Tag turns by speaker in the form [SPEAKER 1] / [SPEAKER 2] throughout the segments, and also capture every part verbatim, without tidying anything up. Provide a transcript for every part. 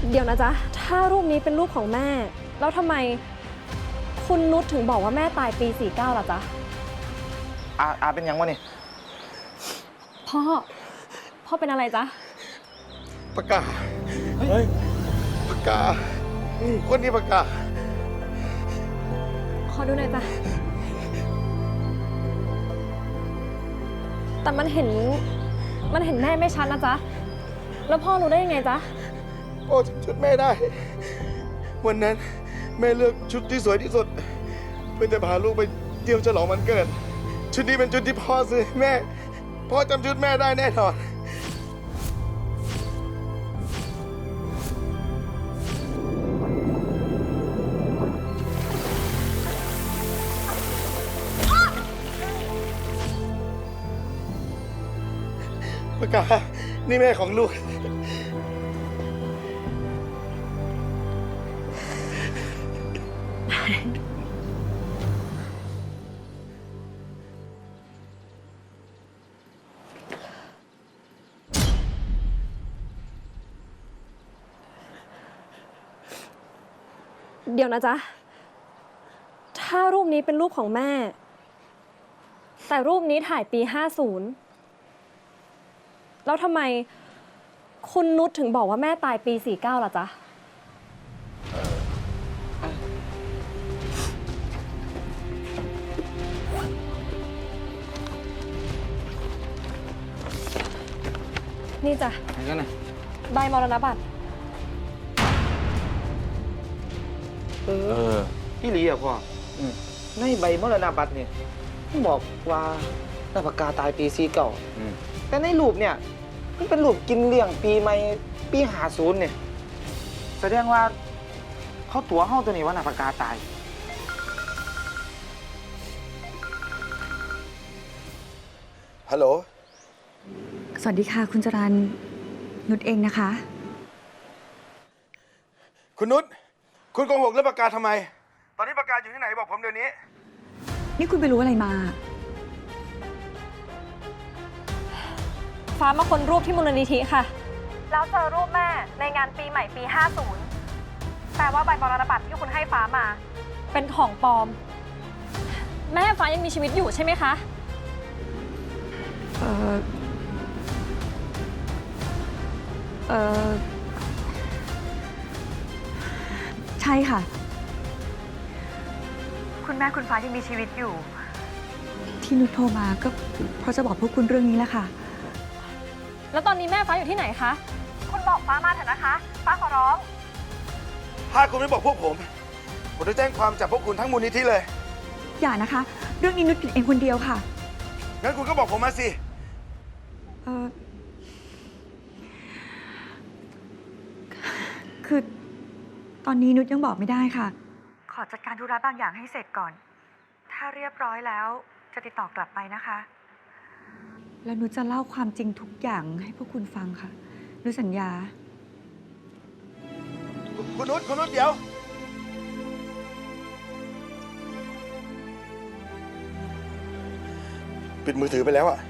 [SPEAKER 1] เดี๋ยวนะจ๊ะถ้ารูปนี้เป็นรูปของแม่แล้วทำไมคุณนุชถึงบอกว่าแม่ตายปีสี่สิบเก้าล่ะจ๊ะ
[SPEAKER 2] อาอาเป็นยังวะนี่
[SPEAKER 1] พ่อพ่อเป็นอะไรจ๊ะ
[SPEAKER 3] ปากกาเฮ้ยปากกาคนนี้ปากกา
[SPEAKER 1] ขอดูหน่อยจ้ะแต่มันเห็นมันเห็นแม่ไม่ชัดนะจ๊ะแล้วพ่อรู้ได้ยังไงจ๊ะ
[SPEAKER 3] พ่อจำชุดแม่ได้วันนั้นแม่เลือกชุดที่สวยที่สุดเพื่อจะพาลูกไปเที่ยวฉลองวันเกิดชุดนี้เป็นชุดที่พ่อซื้อแม่พ่อจำชุดแม่ได้แน่นอนปากกานี่แม่ของลูก
[SPEAKER 1] เดี๋ยวนะจ๊ะถ้ารูปนี้เป็นรูปของแม่แต่รูปนี้ถ่ายปีห้าสิบแล้วทำไมคุณนุชถึงบอกว่าแม่ตายปีสี่สิบเก้าล่ะจ๊ะนี่จ้ะ
[SPEAKER 2] ไหนกันน่ะ
[SPEAKER 1] ใบมรณบัตร
[SPEAKER 2] เออพี่ลีอะพ่อในใบมรณบัตรเนี่ยบอกว่านาปากกาตายปีสี่เก่าแต่ในรูปเนี่ยมันเป็นรูปกินเลี้ยงปีใหม่ปีหาศูนย์เนี่ยแสดงว่าเขาตัวห้องตัวนี้ว่านาปากกาตาย
[SPEAKER 3] ฮัลโหล
[SPEAKER 4] สวัสดีค่ะคุณจรัญนุชเองนะคะ
[SPEAKER 3] คุณนุชคุณโกหกเรื่องปากกาทำไมตอนนี้ปากกาอยู่ที่ไหนบอกผมเดี๋ยวนี้
[SPEAKER 4] นี่คุณไปรู้อะไรมา
[SPEAKER 1] ฟ้ามาค้นรูปที่มูลนิธิค่ะแล้วเจอรูปแม่ในงานปีใหม่ปีห้าสิบแปลว่าใบมรณบัตรที่คุณให้ฟ้ามาเป็นของปลอมแม่ฟ้ายังมีชีวิตอยู่ใช่ไหมคะ
[SPEAKER 4] เออเออใช่ค่ะคุณแม่คุณฟ้ายังมีชีวิตอยู่ที่นุชโทรมาก็เพราะจะบอกพวกคุณเรื่องนี้แหละค่ะ
[SPEAKER 1] แล้วตอนนี้แม่ฟ้าอยู่ที่ไหนคะคุณบอกฟ้ามาเถอะนะคะฟ้าขอร้อง
[SPEAKER 3] ถ้าคุณไม่บอกพวกผมผมจะแจ้งความจับพวกคุณทั้งมูลนิธิเลย
[SPEAKER 4] อย่านะคะเรื่องนี้นุชผิดเองคนเดียวค่ะ
[SPEAKER 3] งั้นคุณก็บอกผมมาสิ
[SPEAKER 4] เออคือตอนนี้นุชยังบอกไม่ได้ค่ะขอจัดการธุระบางอย่างให้เสร็จก่อนถ้าเรียบร้อยแล้วจะติดต่อกลับไปนะคะแล้วนุชจะเล่าความจริงทุกอย่างให้พวกคุณฟังค่ะนุชสัญญา
[SPEAKER 3] คุณนุชคุณนุชเดี๋ยวปิดมือถือไปแล้วอะ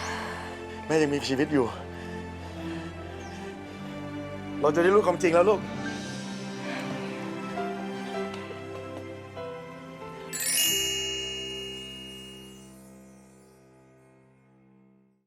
[SPEAKER 3] แม่ยังมีชีวิตอยู่เราจะได้รู้ความจริงแล้วลูก